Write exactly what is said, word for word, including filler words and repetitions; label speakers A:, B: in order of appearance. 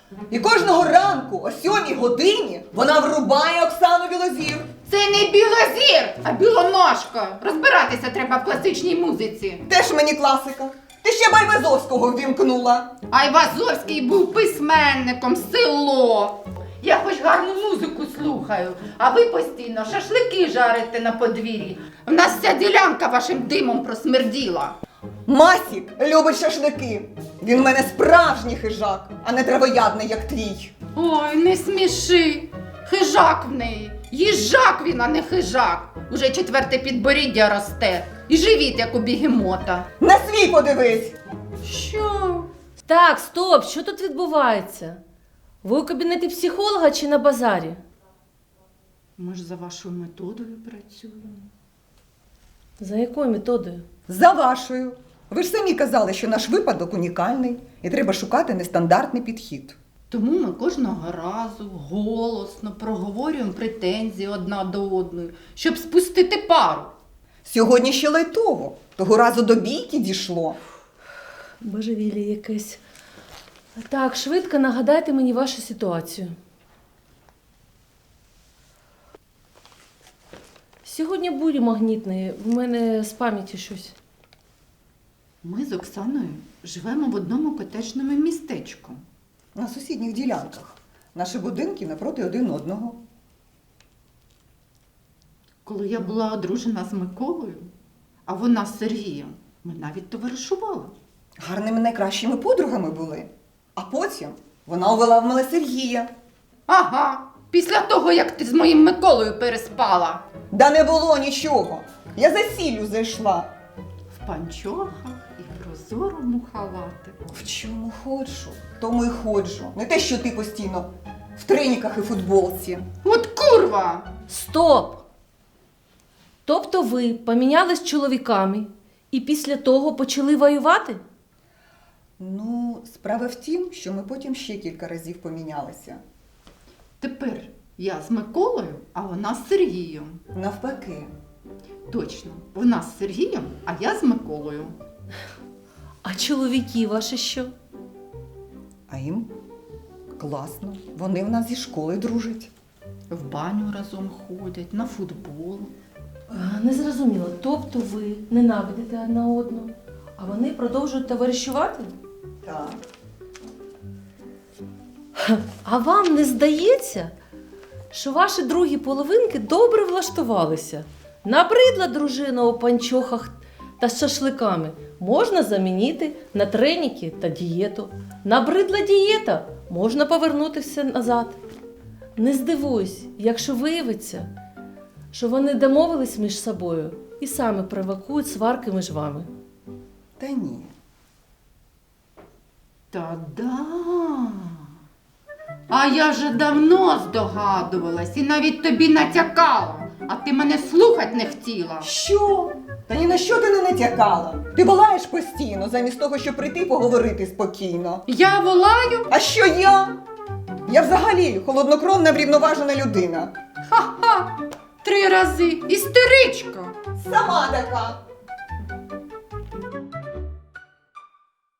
A: І кожного ранку о сьомій годині вона врубає Оксану Білозір.
B: Це не білозір, а білоножка. Розбиратися треба в класичній музиці.
A: Теж мені класика. Ти ще Байвазовського ввімкнула.
B: Айвазовський був письменником, село. Я хоч гарну музику слухаю, а ви постійно шашлики жарите на подвір'ї. В нас вся ділянка вашим димом просмерділа.
A: Масік любить шашлики. Він в мене справжній хижак, а не травоядний, як твій.
B: Ой, не сміши. Хижак в неї. Їжак він, а не хижак. Уже четверте підборіддя росте. І живіт, як у бігемота.
A: На свій подивись.
B: Що?
C: Так, стоп, що тут відбувається? Ви у кабінеті психолога чи на базарі?
B: Ми ж за вашою методою працюємо.
C: За якою методою?
A: За вашою. Ви ж самі казали, що наш випадок унікальний і треба шукати нестандартний підхід.
B: Тому ми кожного разу голосно проговорюємо претензії одна до одної, щоб спустити пару.
A: Сьогодні ще лайтово. Того разу до бійки дійшло.
C: Божевілля якесь. Так, швидко нагадайте мені вашу ситуацію. Сьогодні бурі магнітні, в мене з пам'яті щось.
B: Ми з Оксаною живемо в одному котеджному містечку.
A: На сусідніх ділянках. Наші будинки напроти один одного.
B: Коли я була одружена з Миколою, а вона з Сергієм, ми навіть товаришували.
A: Гарними найкращими подругами були. А потім вона увела в мене Сергія.
B: Ага, після того, як ти з моїм Миколою переспала.
A: Да не було нічого. Я за сіллю зайшла.
B: В панчохах і прозорому халатику.
A: В чому ходжу, тому й ходжу. Не те, що ти постійно в треніках і футболці.
B: От курва!
C: Стоп! Тобто ви помінялись чоловіками і після того почали воювати?
A: Ну, справа в тім, що ми потім ще кілька разів помінялися.
B: Тепер я з Миколою, а вона з Сергієм.
A: Навпаки.
B: Точно, вона з Сергієм, а я з Миколою.
C: А чоловіки ваші що?
A: А їм класно. Вони в нас зі школи дружать.
B: В баню разом ходять, на футбол.
C: А, не зрозуміло. Тобто ви ненавидите одна одну, а вони продовжують товаришувати?
A: Так.
C: А вам не здається, що ваші другі половинки добре влаштувалися? Набридла дружина у панчохах та з шашликами можна замінити на треніки та дієту. Набридла дієта, можна повернути все назад. Не здивуюсь, якщо виявиться, що вони домовились між собою і самі провокують сварки між вами.
A: Та ні.
B: Та-да! А я вже давно здогадувалась і навіть тобі натякала, а ти мене слухать не хотіла.
A: Що? Та ні на що ти не натякала. Ти волаєш постійно, замість того, щоб прийти поговорити спокійно.
B: Я волаю?
A: А що я? Я взагалі холоднокровна, врівноважена людина.
B: Ха-ха! Три рази! Істеричка!
A: Сама така.